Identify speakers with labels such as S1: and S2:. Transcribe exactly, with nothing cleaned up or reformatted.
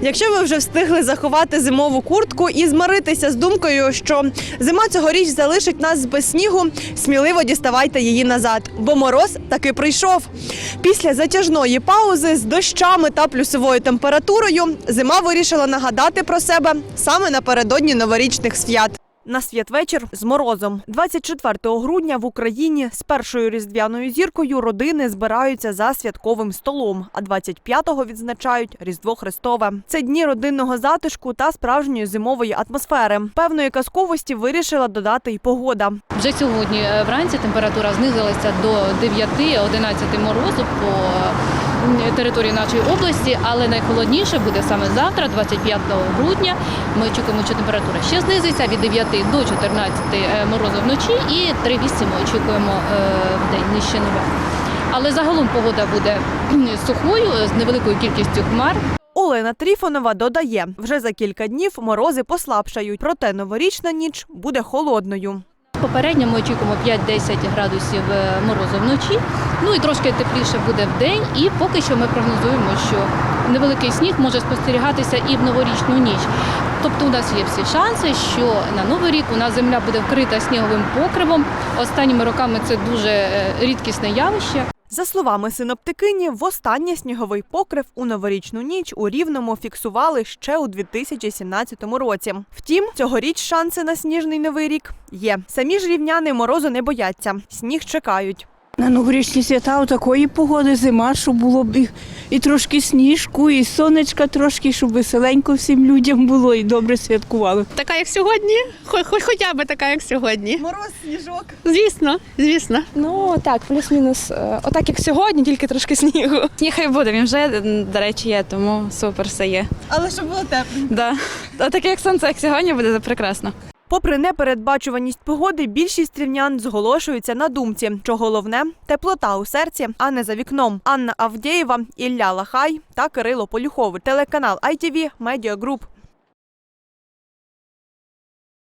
S1: Якщо ви вже встигли заховати зимову куртку і змиритися з думкою, що зима цьогоріч залишить нас без снігу, сміливо діставайте її назад, бо мороз таки прийшов. Після затяжної паузи з дощами та плюсовою температурою зима вирішила нагадати про себе саме напередодні новорічних свят. На святвечір з морозом. двадцять четвертого грудня в Україні з першою різдвяною зіркою родини збираються за святковим столом, а двадцять п'ятого відзначають Різдво Христове. Це дні родинного затишку та справжньої зимової атмосфери. Певної казковості вирішила додати й погода.
S2: Вже сьогодні вранці температура знизилася до дев'яти-одинадцяти морозу по території нашої області, але найхолодніше буде саме завтра, двадцять п'ятого грудня. Ми очікуємо, що температура ще знизиться від дев'яти до чотирнадцяти морозу вночі і три-вісім ми очікуємо в день нижче нуля. Але загалом погода буде сухою, з невеликою кількістю хмар.
S1: Олена Тріфонова додає, вже за кілька днів морози послабшають, проте новорічна ніч буде холодною.
S2: Попередньо ми очікуємо п'ять-десять градусів морозу вночі, ну і трошки тепліше буде в день. І поки що ми прогнозуємо, що невеликий сніг може спостерігатися і в новорічну ніч. Тобто у нас є всі шанси, що на Новий рік у нас земля буде вкрита сніговим покривом. Останніми роками це дуже рідкісне явище.
S1: За словами синоптикині, востаннє сніговий покрив у новорічну ніч у Рівному фіксували ще у дві тисячі сімнадцятому році. Втім, цьогоріч шанси на сніжний Новий рік є. Самі ж рівняни морозу не бояться, сніг чекають.
S3: На новорічні свята такої погоди, зима, щоб було б і, і трошки сніжку, і сонечка трошки, щоб веселенько всім людям було і добре святкували.
S4: Така, як сьогодні, хоч, хоча б така, як сьогодні.
S1: Мороз, сніжок.
S4: Звісно, звісно.
S5: Ну так, плюс-мінус. Отак як сьогодні, тільки трошки снігу.
S6: Сніг хай буде, він вже, до речі, є, тому супер все є.
S1: Але щоб було тепло.
S6: Да. А таке як сонце, як сьогодні, буде прекрасно.
S1: Попри непередбачуваність погоди, більшість рівнян зголошуються на думці, що головне – теплота у серці, а не за вікном. Анна Авдєєва, Ілля Лахай та Кирило Полюхов. Телеканал ай ті ві Медіа Груп.